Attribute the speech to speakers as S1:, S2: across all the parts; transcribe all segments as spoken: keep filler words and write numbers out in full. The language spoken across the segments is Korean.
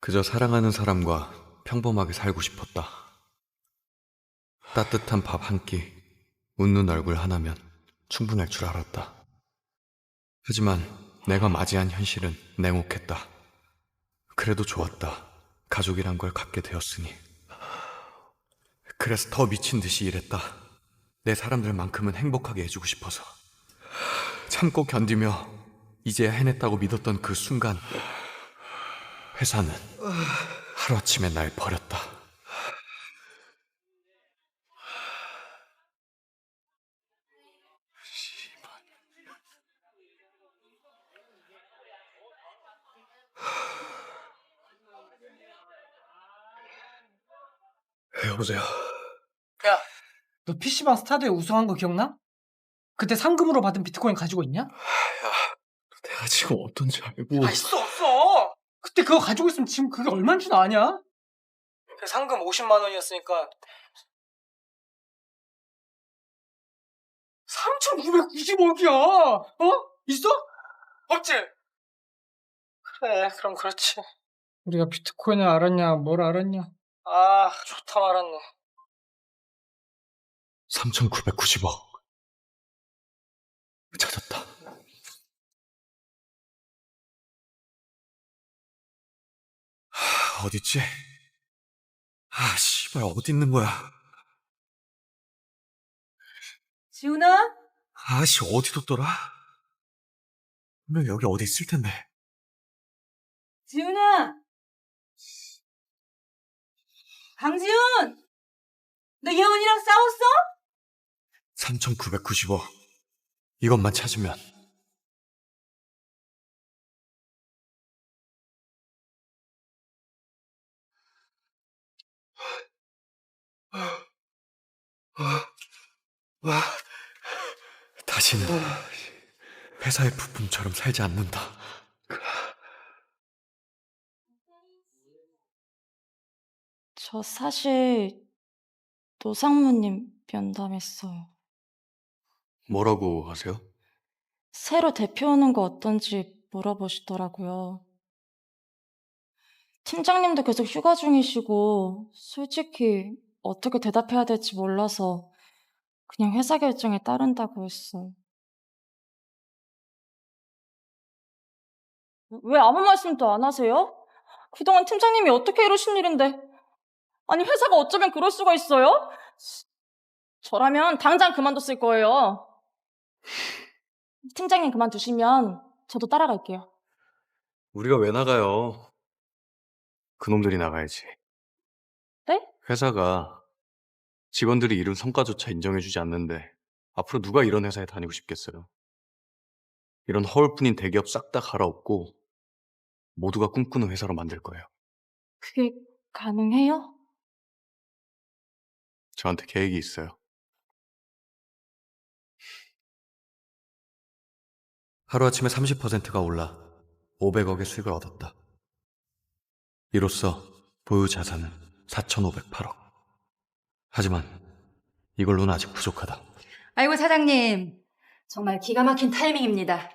S1: 그저 사랑하는 사람과 평범하게 살고 싶었다. 따뜻한 밥 한 끼, 웃는 얼굴 하나면 충분할 줄 알았다. 하지만 내가 맞이한 현실은 냉혹했다. 그래도 좋았다. 가족이란 걸 갖게 되었으니. 그래서 더 미친 듯이 일했다. 내 사람들만큼은 행복하게 해주고 싶어서. 참고 견디며 이제야 해냈다고 믿었던 그 순간, 회사는 하루아침에 날 버렸다.
S2: 여보세요.
S3: 야, 너 피시방 스타드에 우승한 거 기억나? 그때 상금으로 받은 비트코인 가지고 있냐?
S2: 내가 지금 어떤지 알고.
S3: 아, 있어, 없어! 그때 그거 가지고 있으면 지금 그게 얼마인 줄 아냐? 그 상금 오십만 원이었으니까 삼천구백구십억이야! 어? 있어? 없지? 그래, 그럼 그렇지. 우리가 비트코인을 알았냐, 뭘 알았냐? 아, 좋다 말았네.
S1: 삼천구백구십억. 찾았다. 하, 어딨지? 아, 씨발, 어디 있는 거야?
S4: 지훈아?
S1: 아씨, 어디 뒀더라? 분명 여기 어디 있을 텐데.
S4: 지훈아! 강지훈! 너 예원이랑 싸웠어?
S1: 삼천구백구십억. 이것만 찾으면. 와, 다시는 회사의 부품처럼 살지 않는다.
S5: 저 사실 노상무님 면담했어요.
S1: 뭐라고 하세요?
S5: 새로 대표 오는 거 어떤지 물어보시더라고요. 팀장님도 계속 휴가 중이시고 솔직히 어떻게 대답해야 될지 몰라서 그냥 회사 결정에 따른다고 했어요. 왜 아무 말씀도 안 하세요? 그동안 팀장님이 어떻게 이러신 일인데. 아니 회사가 어쩌면 그럴 수가 있어요? 저라면 당장 그만뒀을 거예요. 팀장님 그만두시면 저도 따라갈게요.
S1: 우리가 왜 나가요? 그놈들이 나가야지.
S5: 네?
S1: 회사가 직원들이 이룬 성과조차 인정해주지 않는데 앞으로 누가 이런 회사에 다니고 싶겠어요? 이런 허울뿐인 대기업 싹 다 갈아엎고 모두가 꿈꾸는 회사로 만들 거예요.
S5: 그게 가능해요?
S1: 저한테 계획이 있어요. 하루아침에 삼십 퍼센트가 올라 오백억의 수익을 얻었다. 이로써 보유 자산은 사천오백팔억. 하지만 이걸로는 아직 부족하다.
S4: 아이고, 사장님. 정말 기가 막힌 타이밍입니다.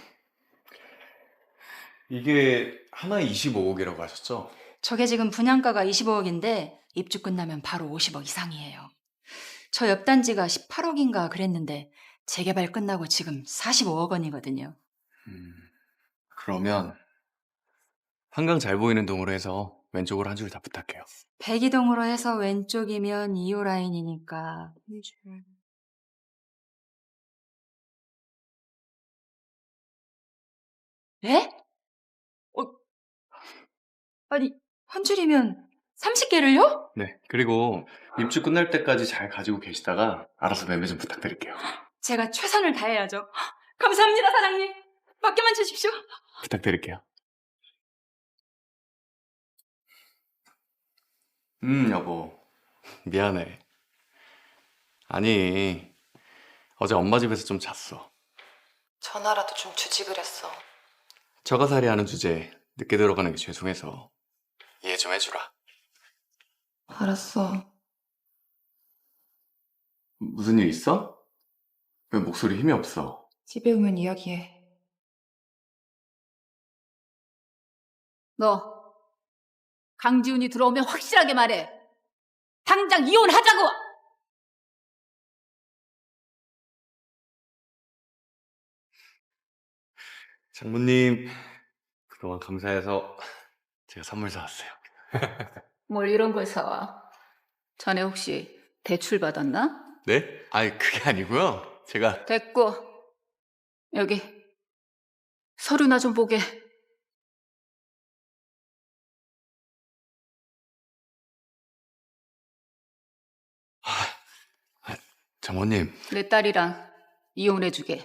S1: 이게 하나에 이십오억이라고 하셨죠?
S4: 저게 지금 분양가가 이십오억인데 입주 끝나면 바로 오십억 이상이에요. 저 옆 단지가 십팔억인가 그랬는데 재개발 끝나고 지금 사십오억 원이거든요.
S1: 음, 그러면 한강 잘 보이는 동으로 해서 왼쪽으로 한 줄 다 부탁해요.
S4: 백이동으로 해서 왼쪽이면 이 호 라인이니까 한 줄. 네? 어, 아니, 한 줄이면 삼십 개를요?
S1: 네, 그리고 입주 끝날 때까지 잘 가지고 계시다가 알아서 매매 좀 부탁드릴게요.
S4: 제가 최선을 다해야죠. 감사합니다, 사장님. 맡겨만 주십시오.
S1: 부탁드릴게요. 음, 여보. 미안해. 아니, 어제 엄마 집에서 좀 잤어.
S4: 전화라도 좀 주지 그랬어.
S1: 처가살이 하는 주제에 늦게 들어가는 게 죄송해서 이해 좀 해주라.
S4: 알았어.
S1: 무슨 일 있어? 왜 목소리 힘이 없어?
S4: 집에 오면 이야기해. 너
S6: 강지훈이 들어오면 확실하게 말해. 당장 이혼하자고!
S1: 장모님, 그동안 감사해서 제가 선물 사왔어요.
S6: 뭘 이런 걸 사와. 자네 혹시 대출 받았나?
S1: 네? 아니, 그게 아니고요. 제가
S6: 됐고. 여기 서류나 좀 보게.
S1: 장모님,
S6: 내 딸이랑 이혼해주게.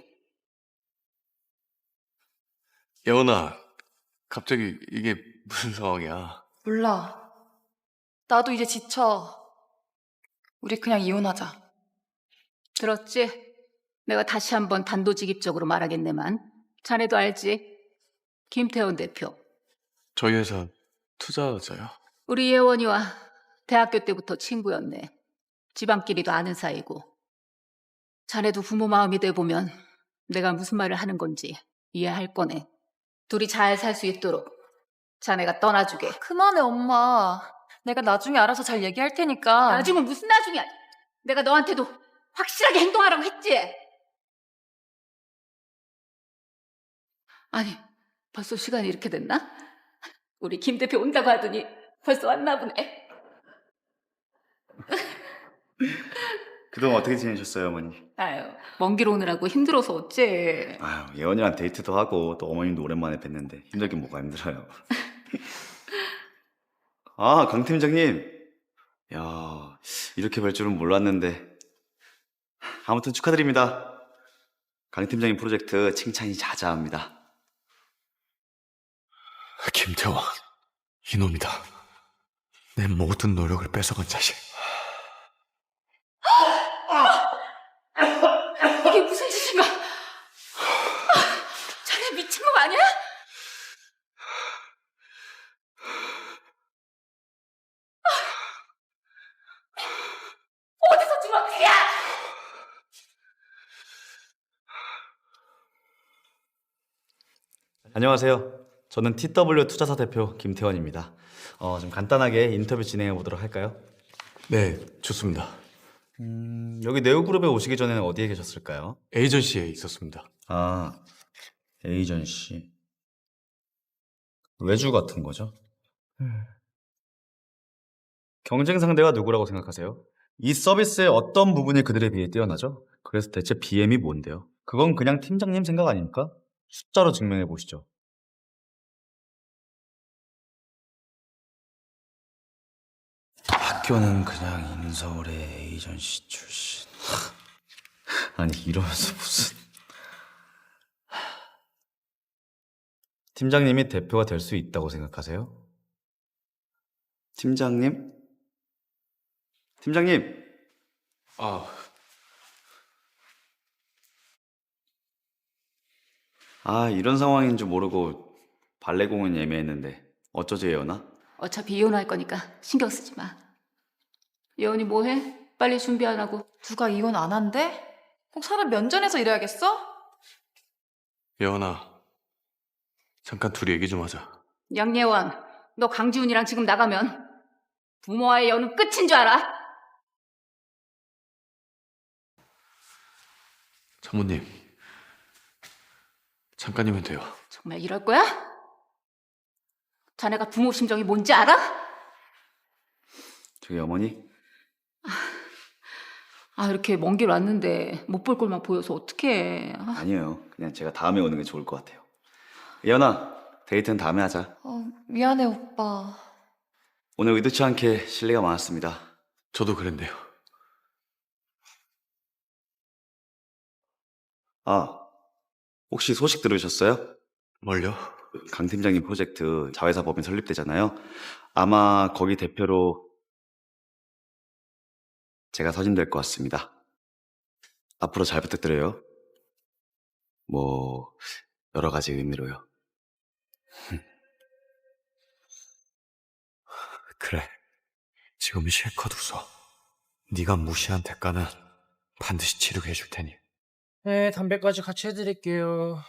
S1: 예원아, 갑자기 이게 무슨 상황이야?
S4: 몰라. 나도 이제 지쳐. 우리 그냥 이혼하자.
S6: 들었지? 내가 다시 한번 단도직입적으로 말하겠네만. 자네도 알지? 김태원 대표.
S1: 저희 회사 투자자요?
S6: 우리 예원이와 대학교 때부터 친구였네. 집안끼리도 아는 사이고. 자네도 부모 마음이 돼보면 내가 무슨 말을 하는 건지 이해할 거네. 둘이 잘 살 수 있도록 자네가 떠나주게.
S4: 그만해, 엄마. 내가 나중에 알아서 잘 얘기할 테니까.
S6: 나중은 무슨 나중이야. 내가 너한테도 확실하게 행동하라고 했지. 아니, 벌써 시간이 이렇게 됐나? 우리 김 대표 온다고 하더니 벌써 왔나 보네.
S7: 그동안 어떻게 지내셨어요, 어머니?
S6: 아유, 먼 길 오느라고 힘들어서 어째.
S7: 아유, 예원이랑 데이트도 하고 또 어머님도 오랜만에 뵀는데 힘들긴 뭐가 힘들어요. 아, 강 팀장님. 야, 이렇게 뵐 줄은 몰랐는데. 아무튼 축하드립니다. 강 팀장님 프로젝트 칭찬이 자자합니다.
S1: 김태원, 이놈이다. 내 모든 노력을 뺏어간 자식.
S6: 이게 무슨 짓인가? 자네 미친 놈 아니야? 어디서 주먹질이야?
S7: 안녕하세요. 저는 티더블유 투자사 대표 김태원입니다. 어, 좀 간단하게 인터뷰 진행해 보도록 할까요?
S1: 네, 좋습니다.
S7: 음, 여기 네오그룹에 오시기 전에는 어디에 계셨을까요?
S1: 에이전시에 있었습니다.
S7: 아, 에이전시. 외주 같은 거죠? 경쟁 상대가 누구라고 생각하세요? 이 서비스의 어떤 부분이 그들에 비해 뛰어나죠? 그래서 대체 비엠이 뭔데요? 그건 그냥 팀장님 생각 아닙니까? 숫자로 증명해 보시죠. 학교는 그냥 인서울의 에이전시 출신. 아니 이러면서 무슨 팀장님이 대표가 될 수 있다고 생각하세요? 팀장님? 팀장님!
S1: 아,
S7: 아 이런 상황인 줄 모르고 발레공원 예매했는데 어쩌지 예원아?
S6: 어차피 이혼할 거니까 신경 쓰지 마. 예원이 뭐해? 빨리 준비 안 하고.
S4: 누가 이혼 안 한대? 꼭 사람 면전에서 이래야겠어?
S1: 예원아, 잠깐 둘이 얘기 좀 하자.
S6: 양예원, 너 강지훈이랑 지금 나가면 부모와의 연은 끝인 줄 알아?
S1: 장모님, 잠깐이면 돼요.
S6: 정말 이럴 거야? 자네가 부모 심정이 뭔지 알아?
S7: 저기 어머니?
S6: 아, 이렇게 먼 길 왔는데 못 볼 꼴만 보여서 어떡해. 아,
S7: 아니에요. 그냥 제가 다음에 오는 게 좋을 것 같아요. 예원아, 데이트는 다음에 하자.
S4: 어, 미안해, 오빠.
S7: 오늘 의도치 않게 실례가 많았습니다.
S1: 저도 그랬네요.
S7: 아, 혹시 소식 들으셨어요?
S1: 뭘요?
S7: 강 팀장님 프로젝트 자회사 법인 설립되잖아요. 아마 거기 대표로 제가 선임될 것 같습니다. 앞으로 잘 부탁드려요. 뭐 여러 가지 의미로요.
S1: 그래, 지금 실컷 웃어. 네가 무시한 대가는 반드시 치르게 해줄 테니.
S3: 네, 담배까지 같이 해드릴게요.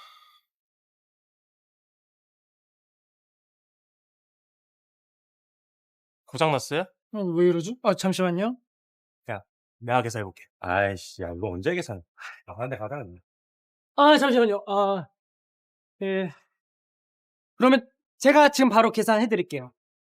S8: 고장났어요?
S3: 어, 왜 이러지? 아, 잠시만요.
S8: 내가 계산해볼게. 아이씨, 야, 이거 언제 계산? 나가는데 가자, 그냥.
S3: 아, 잠시만요. 아, 예. 그러면 제가 지금 바로 계산해 드릴게요.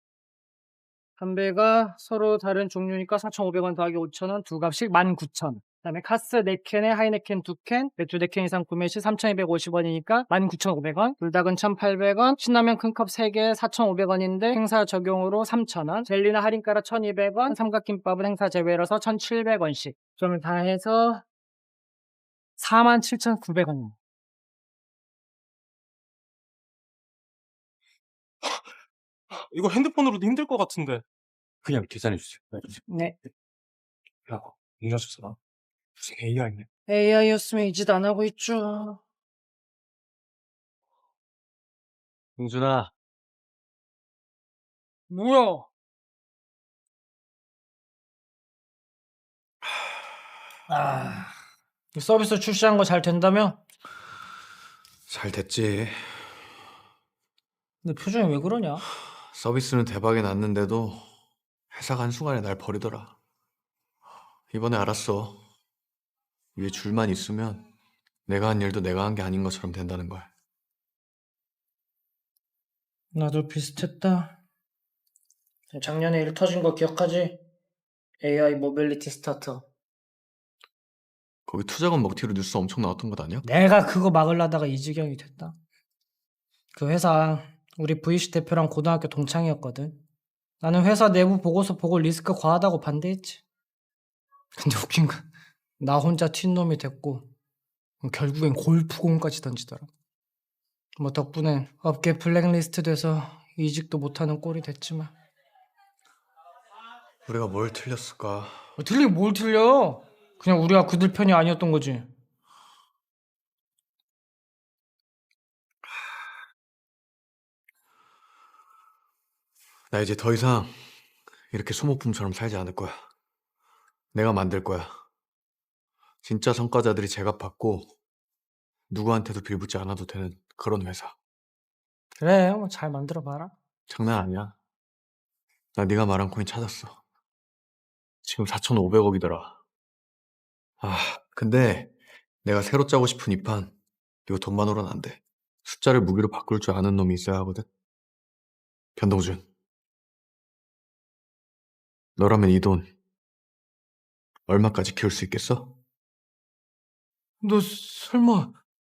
S3: 담배가 서로 다른 종류니까 사천오백 원 더하기 오천 원, 두 값씩 만 구천 원. 그다음에 카스 네 캔에 하이네켄 두 캔, 맥주 네 캔 이상 구매 시 삼천이백오십 원이니까 만 구천오백 원, 불닭은 천팔백 원, 신라면 큰 컵 세 개 사천오백 원인데 행사 적용으로 삼천 원, 젤리나 할인가라 천이백 원, 삼각김밥은 행사 제외라서 천칠백 원씩. 점을 다 해서 사만 칠천구백 원.
S8: 이거 핸드폰으로도 힘들 것 같은데. 그냥 계산해주세요.
S3: 네.
S8: 야, 이 녀석 봐. 무슨 에이아이네.
S3: 에이아이였으면 이 짓 안 하고 있죠.
S8: 용준아,
S3: 뭐야? 아, 이 서비스 출시한 거 잘 된다며?
S1: 잘 됐지.
S3: 근데 표정이 왜 그러냐?
S1: 서비스는 대박이 났는데도 회사가 한순간에 날 버리더라. 이번에 알았어. 위에 줄만 있으면 내가 한 일도 내가 한 게 아닌 것처럼 된다는 걸.
S3: 나도 비슷했다. 작년에 일 터진 거 기억하지? 에이아이 모빌리티 스타터.
S1: 거기 투자금 먹튀로 뉴스 엄청 나왔던 것 아니야?
S3: 내가 그거 막으려다가 이 지경이 됐다. 그 회사 우리 브이씨 대표랑 고등학교 동창이었거든. 나는 회사 내부 보고서 보고 리스크 과하다고 반대했지. 근데 웃긴 건 나 혼자 튄놈이 됐고 결국엔 골프공까지 던지더라. 뭐 덕분에 업계 블랙리스트 돼서 이직도 못하는 꼴이 됐지만.
S1: 우리가 뭘 틀렸을까?
S3: 어, 틀리긴 뭘 틀려? 그냥 우리가 그들 편이 아니었던 거지.
S1: 나 이제 더 이상 이렇게 소모품처럼 살지 않을 거야. 내가 만들 거야. 진짜 성과자들이 제값받고 누구한테도 빌붙지 않아도 되는 그런 회사.
S3: 그래, 뭐 잘 만들어봐라.
S1: 장난 아니야. 나 네가 말한 코인 찾았어. 지금 사천오백억이더라. 아, 근데 내가 새로 짜고 싶은 이 판 이거 돈만으로는 안 돼. 숫자를 무기로 바꿀 줄 아는 놈이 있어야 하거든. 변동준. 너라면 이 돈 얼마까지 키울 수 있겠어?
S3: 너 설마...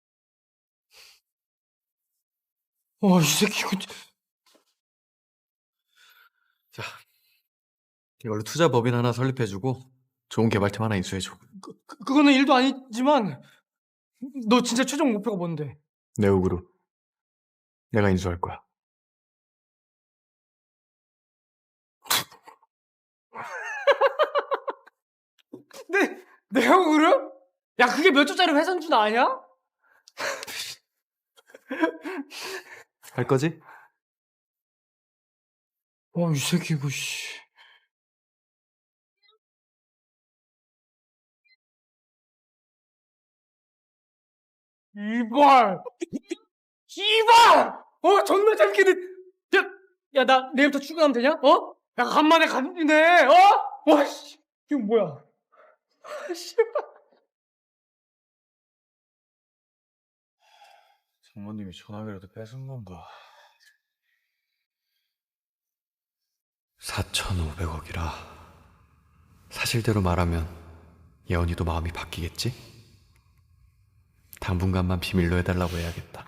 S3: 와, 이 새끼 이거...
S1: 자, 이걸로 투자 법인 하나 설립해주고 좋은 개발팀 하나 인수해줘.
S3: 그, 그- 그거는 일도 아니지만 너 진짜 최종 목표가 뭔데?
S1: 네오그룹. 내가 인수할 거야.
S3: 네, 네오그룹? 야, 그게 몇 조짜리 회선준 아냐?
S1: 할 거지?
S3: 와, 이 새끼 이거 씨... 이발! 이발! 어, 존나 재밌겠네. 야, 야, 나 내일부터 출근하면 되냐? 어? 야, 간만에 간지네. 어? 와, 씨. 이거 뭐야? 아, 씨발.
S1: 장모님이 전화기라도 뺏은 건가? 사천오백억이라. 사실대로 말하면 예언이도 마음이 바뀌겠지? 당분간만 비밀로 해달라고 해야겠다.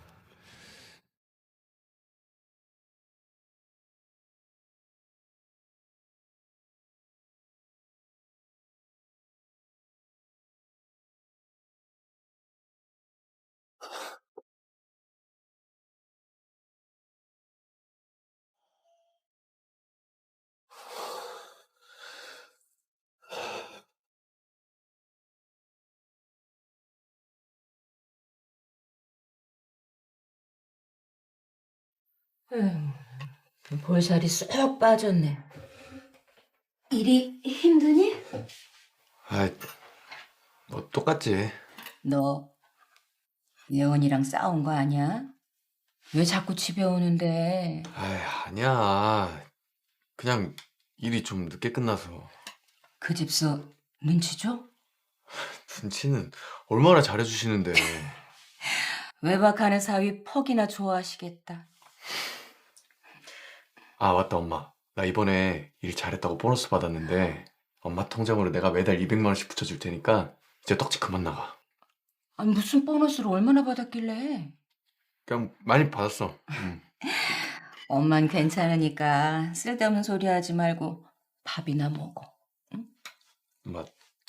S4: 볼살이 쏙 빠졌네. 일이 힘드니?
S1: 아이, 뭐 똑같지.
S4: 너 예원이랑 싸운 거 아니야? 왜 자꾸 집에 오는데?
S1: 아이, 아니야. 그냥 일이 좀 늦게 끝나서.
S4: 그 집수 눈치 줘?
S1: 눈치는 얼마나 잘해주시는데.
S4: 외박하는 사위 퍽이나 좋아하시겠다.
S1: 아, 맞다, 엄마. 나 이번에 일 잘했다고 보너스 받았는데 엄마 통장으로 내가 매달 이백만 원씩 붙여줄 테니까 이제 떡집 그만 나가.
S4: 아니, 무슨 보너스를 얼마나 받았길래?
S1: 그냥 많이 받았어. 응.
S4: 엄만 괜찮으니까 쓸데없는 소리 하지 말고 밥이나 먹어.
S1: 엄마,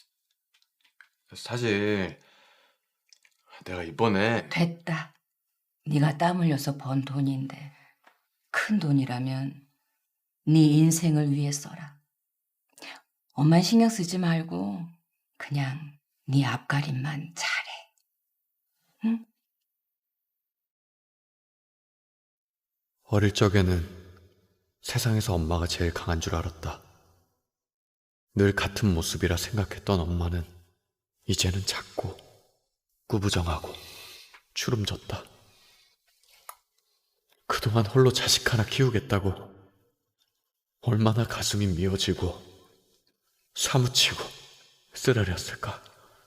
S1: 사실 내가 이번에
S4: 됐다. 네가 땀 흘려서 번 돈인데 큰 돈이라면 네 인생을 위해 써라. 엄만 신경 쓰지 말고 그냥 네 앞가림만 잘해. 응?
S1: 어릴 적에는 세상에서 엄마가 제일 강한 줄 알았다. 늘 같은 모습이라 생각했던 엄마는 이제는 작고 꾸부정하고 주름졌다. 그동안 홀로 자식 하나 키우겠다고 얼마나 가슴이 미어지고 사무치고 쓰라렸을까.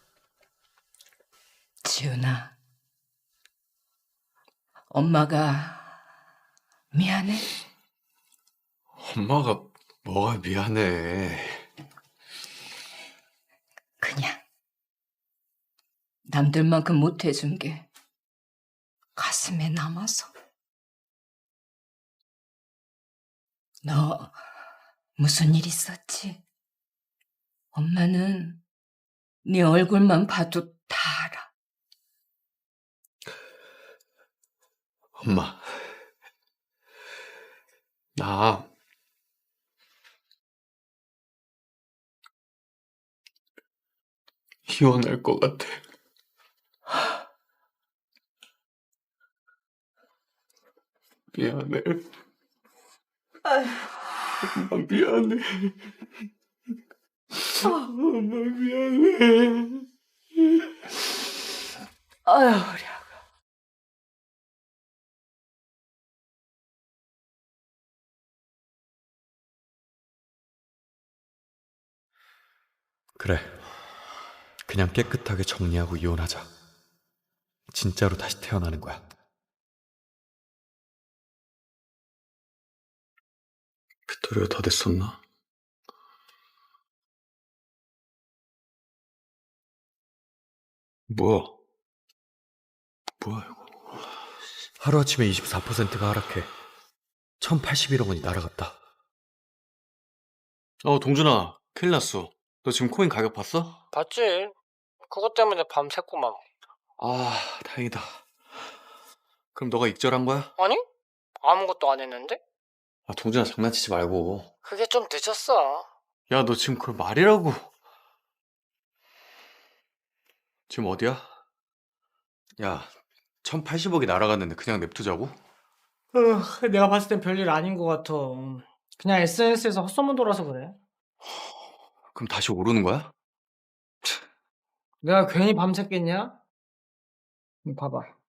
S4: 지훈아, 엄마가 미안해.
S1: 엄마가 뭐가 미안해.
S4: 그냥 남들만큼 못해준 게 가슴에 남아서. 너 무슨 일 있었지? 엄마는 네 얼굴만 봐도 다 알아.
S1: 엄마, 나 이혼할 것 같아. 미안해. 엄마 미안해. 엄마 미안해.
S4: 아유, 우리 아가.
S1: 그래. 그냥 깨끗하게 정리하고 이혼하자. 진짜로 다시 태어나는 거야. 빅토리가 더 됐었나? 뭐야? 뭐야 이거? 하루아침에 이십사 퍼센트가 하락해. 천팔십일억 원이 날아갔다. 어, 동준아, 큰일 났어. 너 지금 코인 가격 봤어?
S3: 봤지? 그것 때문에 밤샜구만.
S1: 아, 다행이다. 그럼 너가 익절한 거야?
S3: 아니? 아무것도 안 했는데?
S1: 아, 동준아, 장난치지 말고.
S3: 그게 좀 늦었어.
S1: 야, 너 지금 그걸 말이라고. 지금 어디야? 야, 천팔십억이 날아갔는데 그냥 냅두자고?
S3: 으, 내가 봤을 땐 별일 아닌 것 같아. 그냥 에스엔에스에서 헛소문 돌아서 그래.
S1: 그럼 다시 오르는 거야?
S3: 내가 괜히 밤샜겠냐? 이거 봐봐.